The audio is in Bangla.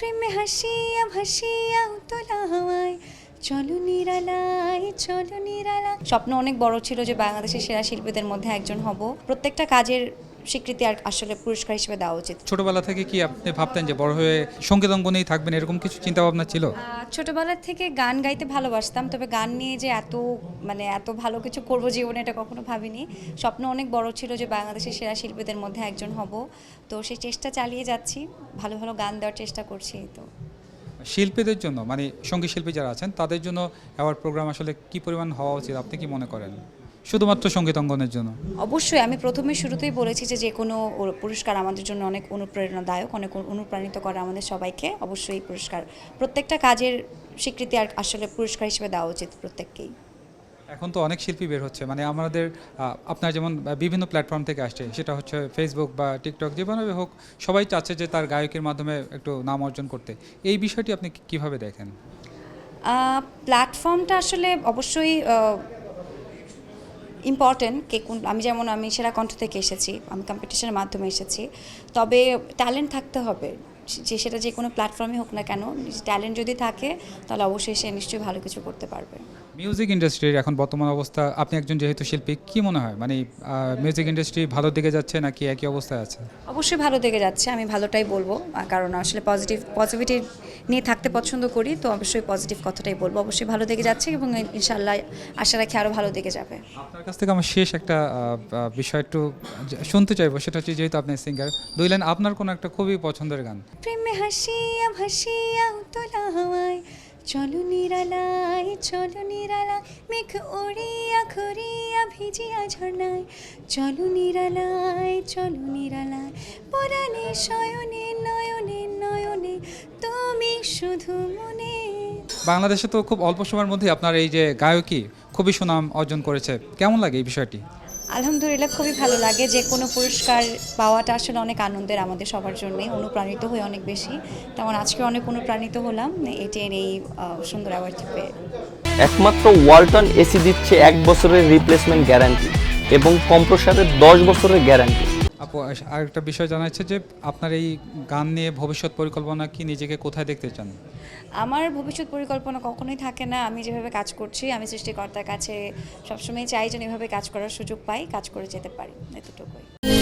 প্রেমে হাসিয়া ভাসিয়া উতলা হাওয়ায় চলো নিরালায় চলো নিরালা। স্বপ্ন অনেক বড় ছিল যে বাংলাদেশের সেরা শিল্পীদের মধ্যে একজন হব। প্রত্যেকটা কাজের স্বীকৃতি আর আসলে পুরস্কার হিসেবে দেওয়া উচিত। ছোটবেলা থেকে কি আপনি ভাবতেন যে বড় হয়ে সঙ্গীত অঙ্গনেই থাকবেন, এরকম কিছু চিন্তা ভাবনা ছিল? ছোটবেলা থেকে গান গাইতে ভালোবাসতাম, তবে গান নিয়ে যে এত ভালো কিছু করব জীবনে এটা কখনো ভাবিনি। স্বপ্ন অনেক বড় ছিল যে বাংলাদেশের সেরা শিল্পীদের মধ্যে একজন হব, তো সেই চেষ্টা চালিয়ে যাচ্ছি, ভালো ভালো গান দেওয়ার চেষ্টা করছি। তো শিল্পীদের জন্য মানে সঙ্গীত শিল্পী যারা আছেন তাদের জন্য অ্যাওয়ার্ড প্রোগ্রাম আসলে কি পরিমাণ হওয়া উচিত আপনি কি মনে করেন, শুধুমাত্র সঙ্গীত অঙ্গনের জন্য? অবশ্যই আমি প্রথমে শুরুতেই বলেছি যে যে কোনো পুরস্কার আমাদের জন্য অনেক অনুপ্রেরণাদায়ক, অনেক অনুপ্রাণিত করে আমাদের সবাইকে। অবশ্যই এই পুরস্কার প্রত্যেকটা কাজের স্বীকৃতি আর আসলে পুরস্কার হিসেবে দেওয়া উচিত প্রত্যেককেই। এখন তো অনেক শিল্পী বের হচ্ছে, মানে আমাদের আপনার যেমন বিভিন্ন প্ল্যাটফর্ম থেকে আসছে, সেটা হচ্ছে ফেসবুক বা টিকটক, যেভাবে হোক সবাই চাচ্ছে যে তার গায়কের মাধ্যমে একটু নাম অর্জন করতে। এই বিষয়টি আপনি কিভাবে দেখেন? প্ল্যাটফর্মটা আসলে অবশ্যই ইম্পর্টেন্ট। কে কোন, আমি সেরা কণ্ঠ থেকে এসেছি, আমি কম্পিটিশনের মাধ্যমে এসেছি, তবে ট্যালেন্ট থাকতে হবে। যে সেটা যে কোনো প্ল্যাটফর্মে হোক না কেন, ট্যালেন্ট যদি থাকে তাহলে অবশ্যই সে নিশ্চয়ই ভালো কিছু করতে পারবে। মিউজিক ইন্ডাস্ট্রির এখন বর্তমান অবস্থা, আপনি একজন যেহেতু শিল্পী, কি মনে হয় মানে মিউজিক ইন্ডাস্ট্রি ভালো দিকে যাচ্ছে নাকি একই অবস্থায় আছে? অবশ্যই ভালো দিকে যাচ্ছে, আমি ভালোটাই বলবো, কারণ আসলে পজিটিভিটি নিয়ে থাকতে পছন্দ করি, তো অবশ্যই পজিটিভ কথাটাই বলবো। অবশ্যই ভালো দিকে যাচ্ছে এবং ইনশাআল্লাহ আশা রাখি আরও ভালো দিকে যাবে। আপনার কাছ থেকে আমার শেষ একটা বিষয় একটু শুনতে চাইবো, সেটা হচ্ছে যেহেতু আপনি সিঙ্গার, দুই লাইন আপনার কোনো একটা খুবই পছন্দের গান। প্রেমে হাসিয়া ভাসিয়া উতলা হাওয়ায় চলো নিরালায় চলো নিরালায়, মেঘ উড়িয়া ঘুরিয়া ভিজিয়া ঝর্ণায় চলো নিরালায় চলো নিরালায়, পরাণে শয়নে নয়নে নয়নে তুমি শুধু মনে। বাংলাদেশে তো খুব অল্প সময়ের মধ্যে আপনার এই যে গায়কী খুবই সুনাম অর্জন করেছে, কেমন লাগে এই বিষয়টি? আলহামদুলিল্লাহ, খুবই ভালো লাগে। যে কোনো পুরস্কার পাওয়াটা আসলে অনেক আনন্দের আমাদের সবার জন্যই, অনুপ্রাণিত হই অনেক বেশি। তেমন আজকে অনেক অনুপ্রাণিত হলাম এটির এই সুন্দর অ্যাওয়ার্ডটি পেয়ে। একমাত্র ওয়ালটন এসি দিচ্ছে 1 বছরের রিপ্লেসমেন্ট গ্যারান্টি এবং কম্প্রেসারের 10 বছরের গ্যারান্টি। আপু, আরেকটা বিষয় জানা যাচ্ছে যে আপনার এই গান নিয়ে ভবিষ্যৎ পরিকল্পনা কি, নিজেকে কোথায় দেখতে চান? আমার ভবিষ্যৎ পরিকল্পনা কখনোই থাকে না। আমি যেভাবে কাজ করছি, আমি সৃষ্টিকর্তার কাছে সবসময় চাই যেন এভাবে কাজ করার সুযোগ পাই, কাজ করে যেতে পারি, এতটুকুই।